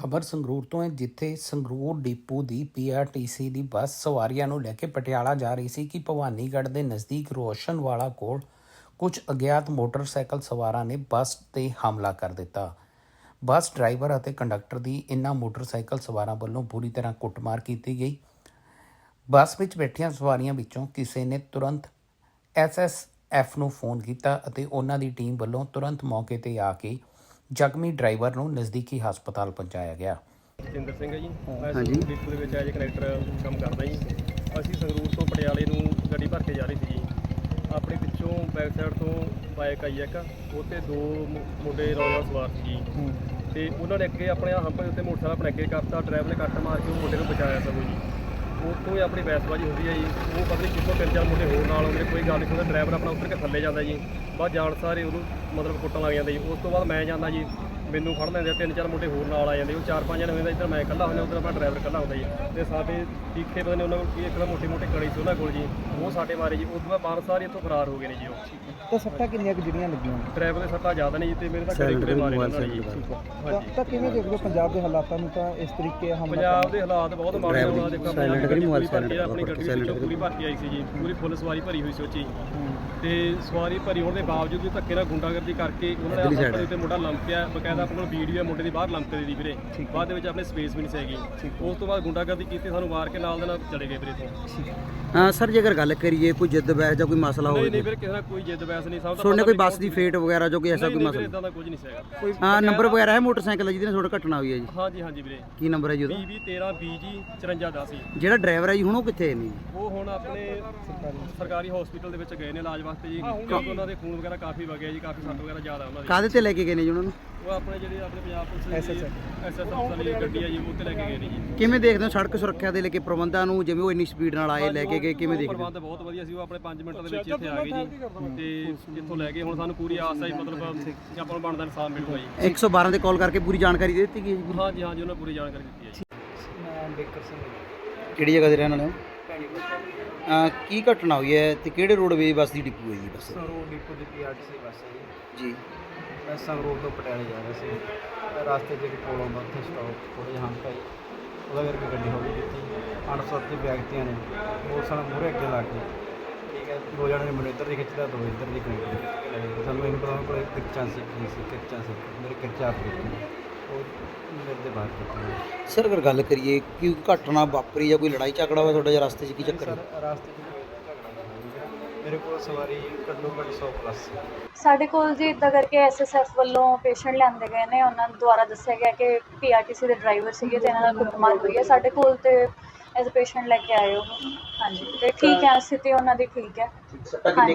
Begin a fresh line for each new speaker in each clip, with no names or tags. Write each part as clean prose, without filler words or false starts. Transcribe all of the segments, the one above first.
ਖਬਰ ਸੰਗਰੂਰ ਤੋਂ ਹੈ, ਜਿੱਥੇ ਸੰਗਰੂਰ ਡਿਪੂ ਦੀ ਪੀਆਰਟੀਸੀ ਦੀ ਬੱਸ ਸਵਾਰੀਆਂ ਨੂੰ ਲੈ ਕੇ ਪਟਿਆਲਾ ਜਾ ਰਹੀ ਸੀ ਕਿ ਭਵਾਨੀਗੜ੍ਹ ਦੇ ਨਜ਼ਦੀਕ ਰੋਸ਼ਨਵਾਲਾ ਕੋਲ ਕੁਝ ਅਗਿਆਤ ਮੋਟਰਸਾਈਕਲ ਸਵਾਰਾਂ ਨੇ ਬੱਸ 'ਤੇ ਹਮਲਾ ਕਰ ਦਿੱਤਾ। ਬੱਸ ਡਰਾਈਵਰ ਅਤੇ ਕੰਡਕਟਰ ਦੀ ਇਨ੍ਹਾਂ ਮੋਟਰਸਾਈਕਲ ਸਵਾਰਾਂ ਵੱਲੋਂ ਬੁਰੀ ਤਰ੍ਹਾਂ ਕੁੱਟਮਾਰ ਕੀਤੀ ਗਈ। ਬੱਸ ਵਿੱਚ ਬੈਠੀਆਂ ਸਵਾਰੀਆਂ ਵਿੱਚੋਂ ਕਿਸੇ ਨੇ ਤੁਰੰਤ SSF ਨੂੰ ਫੋਨ ਕੀਤਾ ਅਤੇ ਉਹਨਾਂ ਦੀ ਟੀਮ ਵੱਲੋਂ ਤੁਰੰਤ ਮੌਕੇ 'ਤੇ ਆ ਕੇ ਜ਼ਖਮੀ ਡਰਾਈਵਰ ਨੂੰ ਨਜ਼ਦੀਕੀ ਹਸਪਤਾਲ ਪਹੁੰਚਾਇਆ ਗਿਆ।
ਜਿੰਦਰ ਸਿੰਘ ਹੈ ਜੀ। ਮੈਂ ਸੰਗਰੂਰ ਡਿਪੂ ਦੇ ਵਿੱਚ ਐਜ ਕਨੈਕਟਰ ਕੰਮ ਕਰਦਾ ਜੀ। ਅਸੀਂ ਸੰਗਰੂਰ ਤੋਂ ਪਟਿਆਲੇ ਨੂੰ ਗੱਡੀ ਭਰ ਕੇ ਜਾ ਰਹੀ ਸੀ ਜੀ। ਆਪਣੇ ਪਿੱਛੋਂ ਬੈਕ ਸਾਈਡ ਤੋਂ ਬਾਈਕ ਆਈ ਇੱਕ, ਉਹ 'ਤੇ ਦੋ ਮੁੰਡੇ ਨੌਜਵਾਨ ਸਵਾਰ ਸੀ ਜੀ। ਅਤੇ ਉਹਨਾਂ ਨੇ ਅੱਗੇ ਆਪਣੇ ਹੰਪ ਦੇ ਉੱਤੇ ਮੋਟਰਸਾਈਕਲ ਆਪਣੇ ਅੱਗੇ ਕਰਤਾ, ਡਰਾਈਵਰ ਨੇ ਕੱਟ ਮਾਰ ਕੇ ਉਹ ਮੁੰਡੇ ਨੂੰ ਬਚਾਇਆ ਸਗੋਂ ਜੀ। ਉੱਥੋਂ ਹੀ ਆਪਣੀ ਬਹਿਸਬਾਜ਼ੀ ਹੁੰਦੀ ਹੈ ਜੀ। ਉਹ ਪਤਾ ਨਹੀਂ ਕਿੱਥੋਂ 3-4 ਮੁੰਡੇ ਹੋਰ ਨਾਲ ਆਉਂਦੇ, ਕੋਈ ਗੱਲ ਨਹੀਂ ਸੁਣਦਾ। ਡਰਾਈਵਰ ਆਪਣਾ ਉੱਤਰ ਕੇ ਥੱਲੇ ਜਾਂਦਾ ਜੀ। ਬਾਅਦ ਜਾਣ ਸਾਰੇ ਉਹਨੂੰ ਮਤਲਬ ਕੁੱਟਣ ਲੱਗ ਜਾਂਦੇ ਜੀ। ਉਸ ਤੋਂ ਬਾਅਦ ਮੈਂ ਜਾਂਦਾ ਜੀ, ਮੈਨੂੰ ਫੜ ਲੈਂਦੇ, 3-4 ਮੁੰਡੇ ਹੋਰ ਨਾਲ ਆ ਜਾਂਦੇ। ਉਹ 4-5 ਜਣੇ ਹੋ ਜਾਂਦਾ, ਇੱਧਰ ਮੈਂ ਇਕੱਲਾ ਹੁੰਦਾ, ਉੱਧਰ ਆਪਣਾ ਡਰਾਈਵਰ ਇਕੱਲਾ ਹੁੰਦਾ ਜੀ। ਅਤੇ ਸਾਡੇ ਟੀਕੇ ਪਤਾ ਨਹੀਂ ਉਹਨਾਂ ਕੋਲ ਕੀ ਇੱਕ ਤਾਂ ਮੋਟੇ ਕੜੀ ਸੀ ਉਹਨਾਂ ਕੋਲ ਜੀ, ਉਹ ਸਾਡੇ ਮਾਰੇ ਜੀ। ਉਸ ਤੋਂ ਬਾਅਦ ਸਾਰੇ ਇੱਥੋਂ ਫਰਾਰ ਹੋ ਗਏ ਨੇ ਜੀ। ਉਹ
ਤਾਂ ਸੱਟਾਂ ਕਿੰਨੀਆਂ ਕੁ ਜਿਹੜੀਆਂ ਲੱਗੀਆਂ
ਡਰਾਈਵਰ ਦੇ ਸੱਟਾਂ ਜ਼ਿਆਦਾ ਨੇ ਜੀ, ਅਤੇ ਮੇਰੇ ਤਾਂ ਗੜੇ ਮਾਰੇ ਉਹਨਾਂ ਨੇ ਜੀ।
ਤਾਂ ਕਿਵੇਂ ਦੇਖਦੇ ਹੋ ਪੰਜਾਬ ਦੇ ਹਾਲਾਤਾਂ ਨੂੰ? ਤਾਂ ਇਸ ਤਰੀਕੇ ਹਮਲਾ
ਪੰਜਾਬ ਦੇ ਹਾਲਾਤ ਬਹੁਤ ਮਾੜੇ ਹੋਣਾ। ਦੇਖੋ ਆਪਣੀ ਗੱਡੀ ਵਿੱਚੋਂ ਪੂਰੀ ਭਰਤੀ ਆਈ ਸੀ ਜੀ, ਪੂਰੀ ਫੁੱਲ ਸਵਾਰੀ ਭਰੀ ਹੋਈ ਸੀ ਉਹ 'ਚ। ਅਤੇ ਸਵਾਰੀ ਭਰੀ ਹੋਣ ਦੇ ਬਾਵਜੂਦ ਵੀ ਧੱਕੇ ਨਾਲ ਗੁੰਡਾਗਰਦੀ ਕਰਕੇ ਉਹਨਾਂ ਨੇ ਹਸਪਤਾਲ ਦੇ ਉੱਤੇ ਮੁੰਡਾ ਲੰਮਕਿਆ। ਬਕਾਇਦਾ ਆਪਣੇ ਕੋਲ ਵੀਡੀਓ ਹੈ ਮੁੰਡੇ ਦੀ ਬਾਹਰ ਲੰਮਕੇ ਦੀ ਵੀਰੇ। ਬਾਅਦ ਦੇ ਵਿੱਚ ਆਪਣੇ ਸਪੇਸ ਵੀ ਨਹੀਂ ਸੀਗੀ। ਉਸ ਤੋਂ ਬਾਅਦ ਗੁੰਡਾਗਰਦੀ ਕੀਤੀ, ਸਾਨੂੰ ਮਾਰ ਕੇ ਨਾਲ ਦੇ ਨਾਲ ਚਲੇ ਗਏ ਵੀਰੇ ਤੋਂ।
ਸਰ ਜੇਕਰ ਗੱਲ ਕਰੀਏ ਕੋਈ ਜਿੱਦ ਬਹਿਸ ਜਾਂ ਕੋਈ ਮਸਲਾ ਹੋਵੇ?
ਨਹੀਂ ਵੀਰੇ, ਕਿਸੇ ਨਾਲ ਕੋਈ ਜਿੱਦ ਬਹਿਸ ਨਹੀਂ। ਸਭ
ਤੁਹਾਡੇ ਕੋਈ ਬੱਸ ਦੀ ਫੇਟ ਵਗੈਰਾ ਜੋ ਕੋਈ ਐਸਾ ਕੋਈ ਮਸਲਾ?
ਇਦਾਂ ਦਾ ਕੁਝ ਨਹੀਂ ਸੀਗਾ।
ਨੰਬਰ ਵਗੈਰਾ ਹੈ ਮੋਟਰਸਾਈਕਲ ਜਿਹਦੇ ਨਾਲ ਤੁਹਾਡਾ ਘਟਨਾ ਹੋਈ ਹੈ ਜੀ?
ਹਾਂਜੀ ਵੀਰੇ।
ਕੀ ਨੰਬਰ ਹੈ ਜੀ ਉਹਦਾ?
PB13B ਜੀ 5410 ਜੀ।
ਜਿਹੜਾ ਡਰਾਈਵਰ ਹੈ ਜੀ ਹੁਣ ਉਹ ਕਿੱਥੇ ਨੇ?
ਉਹ ਹੁਣ ਆਪਣੇ ਸਰਕਾਰੀ ਹਸਪੀਟਲ ਦੇ ਵਿੱਚ ਗਏ ਨੇ ਇਲਾਜ ਵਾਸਤੇ ਜੀ, ਕਿਉਂਕਿ ਉਹਨਾਂ ਦੇ ਖੂਨ ਵਗੈਰਾ ਕਾਫੀ ਵਗਿਆ ਜੀ, ਕਾਫੀ ਸੱਟ ਵਗੈਰਾ ਜ਼ਿਆਦਾ ਉਹਨਾਂ ਦੀ।
ਕਾਹਦੇ ਤੇ ਲੈ ਕੇ ਗਏ ਨੇ ਜੀ ਉਹਨਾਂ ਨੂੰ?
ਉਹ ਆਪਣੇ ਜਿਹੜੇ ਆਪਣੇ ਪੰਜਾਬ ਪੁਲਿਸ SSF ਵਾਲੀ ਗੱਡੀ ਹੈ ਜੀ, ਉਹ ਤੇ ਲੈ ਕੇ ਗਏ ਨੇ ਜੀ।
ਕਿਵੇਂ ਦੇਖਦੇ ਹੋ ਸੜਕ ਸੁਰੱਖਿਆ ਦੇ ਲੈ ਕੇ ਪ੍ਰਬੰਧਾਂ ਨੂੰ, ਜਿਵੇਂ ਉਹ ਇੰਨੀ ਸਪੀਡ ਨਾਲ ਆਏ ਲੈ ਕੇ ਗਏ, ਕਿਵੇਂ ਦੇਖਦੇ ਹੋ?
ਪ੍ਰਬੰਧ ਬਹੁਤ ਵਧੀਆ ਸੀ। ਉਹ ਆਪਣੇ 5 ਮਿੰਟਾਂ ਦੇ ਵਿੱਚ ਇੱਥੇ ਆ ਗਏ ਜੀ, ਤੇ ਇੱਥੋਂ ਲੈ ਕੇ ਹੁਣ ਸਾਨੂੰ ਪੂਰੀ ਆਸ ਹੈ ਜੀ, ਮਤਲਬ ਕਿ ਆਪਾਂ ਨੂੰ ਬਣਦਾ ਇਨਸਾਫ ਮਿਲੂਗਾ ਜੀ।
112 ਤੇ ਕਾਲ ਕਰਕੇ ਪੂਰੀ ਜਾਣਕਾਰੀ ਦੇ ਦਿੱਤੀ ਗਈ ਜੀ?
ਹਾਂਜੀ ਉਹਨਾਂ ਪੂਰੀ ਜਾਣਕਾਰੀ ਦਿੱਤੀ ਹੈ ਜੀ।
ਮੈਂ ਬੇਕਰ ਸਿੰਘ
ਕਿਹੜੀ ਜਗ੍ਹਾ ਦੇ ਰਹਿਣ ਵਾਲੇ ਹੋ? ਕੀ ਘਟਨਾ ਹੋਈ ਹੈ ਤੇ ਕਿਹੜੇ ਰੋਡਵੇਜ਼ ਬੱਸ ਦੀ ਡਿਪੂ ਹੈ ਜੀ? ਬੱਸ
ਸੰਗਰੂਰ ਡਿਪੂ ਦੀ PRTC ਬੱਸ ਹੈ
ਜੀ।
ਮੈਂ ਸੰਗਰੂਰ ਤੋਂ ਪਟਿਆਲੇ ਜਾ ਰਿਹਾ ਸੀ। ਰਸਤੇ 'ਚ ਇੱਕ ਪੁਲ ਆਉਂਦਾ, ਉੱਥੇ ਸਟਾਪ ਥੋੜ੍ਹੇ ਜਿਹੇ ਹੰਪ ਆਈ, ਉਹਦਾ ਕਰਕੇ ਗੱਡੀ ਹੌਲੀ ਕੀਤੀ। ਅਣਸੁਰੱਖਿਤ ਵਿਅਕਤੀਆਂ ਨੇ ਮੋਟਰਸਾਈਕਲ ਮੂਹਰੇ ਅੱਗੇ ਲਾ ਕੇ, ਠੀਕ ਹੈ, ਦੋ ਜਣੇ ਨੇ ਮੈਨੂੰ ਇੱਧਰ ਦੀ ਖਿੱਚਦਾ, ਦੋ ਇੱਧਰ ਦੀ ਕਨੈਕਟਰ ਖਿੱਚ ਕੇ ਲੈ ਗਏ। ਸਾਨੂੰ ਇਹਨੂੰ ਪਤਾ ਮੇਰੇ ਕੋਲ ਕਿਰਚਾਂ ਸੀ ਮੇਰੇ ਕਿਰਚਾ ਆਪ ਕੀਤੀ, ਉਹ ਮੇਰੇ ਦੇ ਬਾਹਰ ਕੀਤੀ।
ਸਰ ਅਗਰ ਗੱਲ ਕਰੀਏ ਕਿ ਘਟਨਾ ਵਾਪਰੀ ਜਾਂ ਕੋਈ ਲੜਾਈ ਝਗੜਾ ਹੋਇਆ ਤੁਹਾਡੇ ਜਾਂ ਰਸਤੇ 'ਚ, ਕੀ ਚੱਕਰ ਹੈ?
ਸਰ ਰਸਤੇ 'ਚ ਕੋਈ ਝਗੜਾ ਨਹੀਂ ਹੋਇਆ। ਮੇਰੇ ਕੋਲ ਸਵਾਰੀ ਘੱਟੋ ਘੱਟ 100 ਪਲੱਸ ਸੀ।
ਸਾਡੇ ਕੋਲ ਜੀ ਇੱਦਾਂ ਕਰਕੇ SSF ਵੱਲੋਂ ਪੇਸ਼ੈਂਟ ਲਿਆਂਦੇ ਗਏ ਨੇ। ਉਹਨਾਂ ਦੁਆਰਾ ਦੱਸਿਆ ਗਿਆ ਕਿ PRTC ਦੇ ਡਰਾਈਵਰ ਸੀਗੇ ਅਤੇ ਇਹਨਾਂ ਨਾਲ ਕੁੱਟਮਾਰ ਹੋਈ ਹੈ। ਸਾਡੇ ਕੋਲ ਤੇ ਐਜ਼ ਪੇਸ਼ੈਂਟ ਲੈ ਕੇ ਆਏ ਉਹ। ਹਾਂਜੀ, ਅਤੇ ਠੀਕ ਹੈ, ਸਥਿਤੀ ਉਹਨਾਂ ਦੀ ਠੀਕ ਹੈ। ਹਾਂਜੀ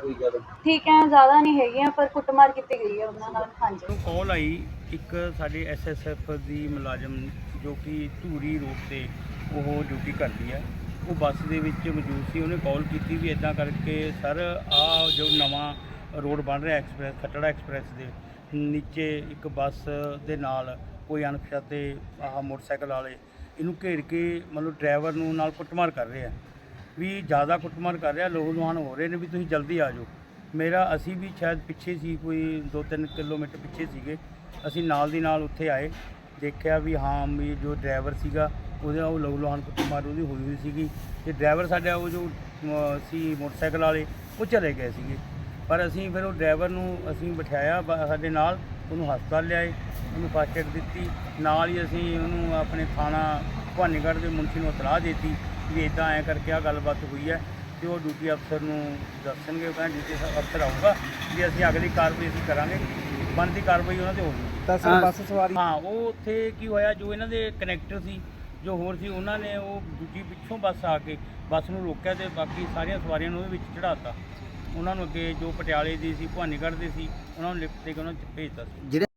ਠੀਕ ਹੈ, ਜ਼ਿਆਦਾ ਨਹੀਂ ਹੈਗੀਆਂ, ਪਰ ਕੁੱਟਮਾਰ ਕੀਤੀ ਗਈ ਹੈ ਉਹਨਾਂ ਨਾਲ। ਹਾਂਜੀ,
ਕਾਲ ਆਈ ਇੱਕ ਸਾਡੇ SSF ਦੀ ਮੁਲਾਜ਼ਮ ਜੋ ਕਿ ਧੂਰੀ ਰੋਡ 'ਤੇ ਉਹ ਡਿਊਟੀ ਕਰਦੀ ਹੈ, ਉਹ ਬੱਸ ਦੇ ਵਿੱਚ ਮੌਜੂਦ ਸੀ। ਉਹਨੇ ਕਾਲ ਕੀਤੀ ਵੀ ਇੱਦਾਂ ਕਰਕੇ ਸਰ ਆਹ ਜੋ ਨਵਾਂ ਰੋਡ ਬਣ ਰਿਹਾ ਐਕਸਪ੍ਰੈਸ ਖੱਟੜਾ ਐਕਸਪ੍ਰੈਸ ਦੇ ਨੀਚੇ ਇੱਕ ਬੱਸ ਦੇ ਨਾਲ ਕੋਈ ਅਣਪਛਾਤੇ ਮੋਟਰਸਾਈਕਲ ਵਾਲੇ ਇਹਨੂੰ ਘੇਰ ਕੇ ਮਤਲਬ ਡਰਾਈਵਰ ਨੂੰ ਨਾਲ ਕੁੱਟਮਾਰ ਕਰ ਰਹੇ ਆ, ਵੀ ਜ਼ਿਆਦਾ ਕੁੱਟਮਾਰ ਕਰ ਰਿਹਾ, ਲੋਹ ਲੁਹਾਨ ਹੋ ਰਹੇ ਨੇ, ਵੀ ਤੁਸੀਂ ਜਲਦੀ ਆ ਜਾਓ। ਅਸੀਂ ਵੀ ਸ਼ਾਇਦ ਪਿੱਛੇ ਸੀ, ਕੋਈ 2-3 ਕਿਲੋਮੀਟਰ ਪਿੱਛੇ ਸੀਗੇ। ਅਸੀਂ ਨਾਲ ਦੀ ਨਾਲ ਉੱਥੇ ਆਏ, ਦੇਖਿਆ ਵੀ ਹਾਂ ਵੀ ਜੋ ਡਰਾਈਵਰ ਸੀਗਾ ਉਹਦੇ ਉਹ ਲੋਹ ਲੁਹਾਨ ਕੁੱਟਮਾਰ ਉਹਦੀ ਹੋਈ ਸੀਗੀ, ਅਤੇ ਡਰਾਈਵਰ ਸਾਡਾ ਉਹ ਜੋ ਸੀ ਮੋਟਰਸਾਈਕਲ ਵਾਲੇ ਉਹ ਚਲੇ ਗਏ ਸੀਗੇ। ਪਰ ਅਸੀਂ ਫਿਰ ਉਹ ਡਰਾਈਵਰ ਨੂੰ ਅਸੀਂ ਬਿਠਾਇਆ ਸਾਡੇ ਨਾਲ, ਉਹਨੂੰ ਹਸਪਤਾਲ ਲਿਆਏ, ਉਹਨੂੰ ਫਸਟ ਏਡ ਦਿੱਤੀ। ਨਾਲ ਹੀ ਅਸੀਂ ਉਹਨੂੰ ਆਪਣੇ ਥਾਣਾ ਭਵਾਨੀਗੜ੍ਹ ਦੇ ਮੁਨਸ਼ੀ ਨੂੰ ਇਤਲਾਹ ਦੇ ਦਿੱਤੀ ਵੀ ਇੱਦਾਂ ਐਂ ਕਰਕੇ ਆਹ ਗੱਲਬਾਤ ਹੋਈ ਹੈ, ਅਤੇ ਉਹ ਡਿਊਟੀ ਅਫਸਰ ਨੂੰ ਦੱਸਣਗੇ। ਉਹ ਕਹਿੰਦਾ ਡਿਊਟੀ ਅਫਸਰ ਆਊਗਾ ਵੀ ਅਸੀਂ ਅਗਲੀ ਕਾਰਵਾਈ ਅਸੀਂ ਕਰਾਂਗੇ, ਬਣਦੀ ਕਾਰਵਾਈ ਉਹਨਾਂ 'ਤੇ ਹੋਊਗੀ।
ਤਾਂ ਸਰ ਬੱਸ ਸਵਾਰੀ
ਉਹ ਉੱਥੇ ਕੀ ਹੋਇਆ, ਜੋ ਇਹਨਾਂ ਦੇ ਕਨੈਕਟਰ ਸੀ ਜੋ ਹੋਰ ਸੀ, ਉਹਨਾਂ ਨੇ ਉਹ ਦੂਜੀ ਪਿੱਛੋਂ ਬੱਸ ਆ ਕੇ ਬੱਸ ਨੂੰ ਰੋਕਿਆ ਅਤੇ ਬਾਕੀ ਸਾਰੀਆਂ ਸਵਾਰੀਆਂ ਨੂੰ ਉਹਦੇ ਵਿੱਚ ਚੜ੍ਹਾਤਾ। ਉਹਨਾਂ ਨੂੰ ਅੱਗੇ ਜੋ ਪਟਿਆਲੇ ਦੀ ਸੀ, ਭਵਾਨੀਗੜ੍ਹ ਦੇ ਸੀ, ਉਹਨਾਂ ਨੂੰ ਲਿਫਟ ਦੇ ਕੇ ਉਹਨਾਂ 'ਚ ਭੇਜਤਾ ਸੀ।